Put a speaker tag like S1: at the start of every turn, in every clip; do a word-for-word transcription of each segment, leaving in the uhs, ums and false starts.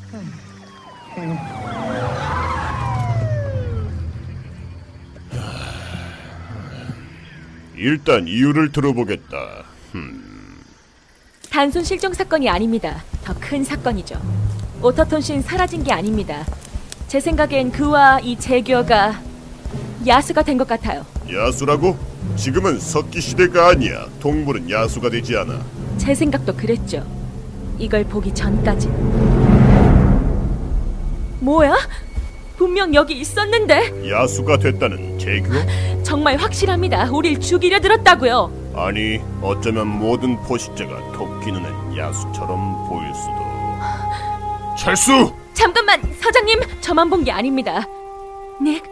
S1: 일단 이유를 들어보겠다.
S2: 단순 실종 사건이 아닙니다. 더 큰 사건이죠. 오터톤 씨는 사라진 게 아닙니다. 제 생각엔 그와 이 재규어가 야수가 된 것 같아요.
S1: 야수라고? 지금은 석기 시대가 아니야. 동물은 야수가 되지 않아.
S2: 제 생각도 그랬죠. 이걸 보기 전까지. 뭐야? 분명 여기 있었는데.
S1: 야수가 됐다는 재규?
S2: 정말 확실합니다. 우릴 죽이려 들었다고요.
S1: 아니, 어쩌면 모든 포식자가 토끼 눈엔 야수처럼 보일 수도. 철수!
S2: 잠깐만, 서장님. 저만 본 게 아닙니다. 닉,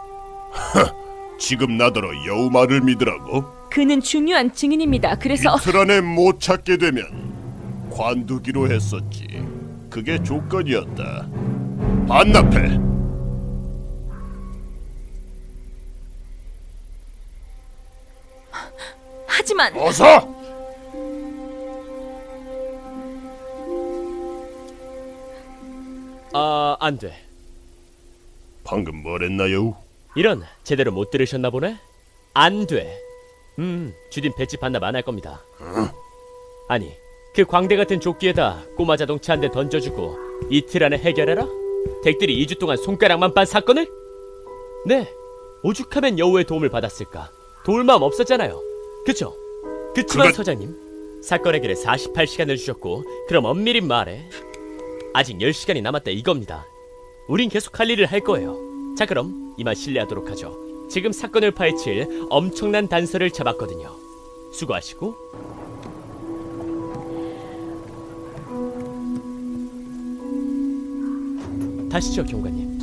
S1: 지금 나더러 여우 말을 믿으라고?
S2: 그는 중요한 증인입니다. 그래서
S1: 이틀 안에 못 찾게 되면 관두기로 했었지. 그게 조건이었다. 반납해.
S2: 하지만
S1: 어서!
S3: 아, 안 돼.
S1: 방금 뭐랬나요?
S3: 이런, 제대로 못 들으셨나 보네? 안 돼. 음, 주딘 배지 반납 안 할 겁니다. 아니, 그 광대 같은 조끼에다 꼬마 자동차 한 대 던져주고 이틀 안에 해결해라? 댁들이 이 주 동안 손가락만 빤 사건을? 네, 오죽하면 여우의 도움을 받았을까. 도울 마음 없었잖아요. 그쵸? 그치만
S1: 그건-
S3: 서장님, 사건 해결에 사십팔 시간을 주셨고, 그럼 엄밀히 말해 아직 열 시간이 남았다 이겁니다. 우린 계속 할 일을 할 거예요. 자, 그럼 이만 실례하도록 하죠. 지금 사건을 파헤칠 엄청난 단서를 잡았거든요. 수고하시고. 다시죠, 경관님.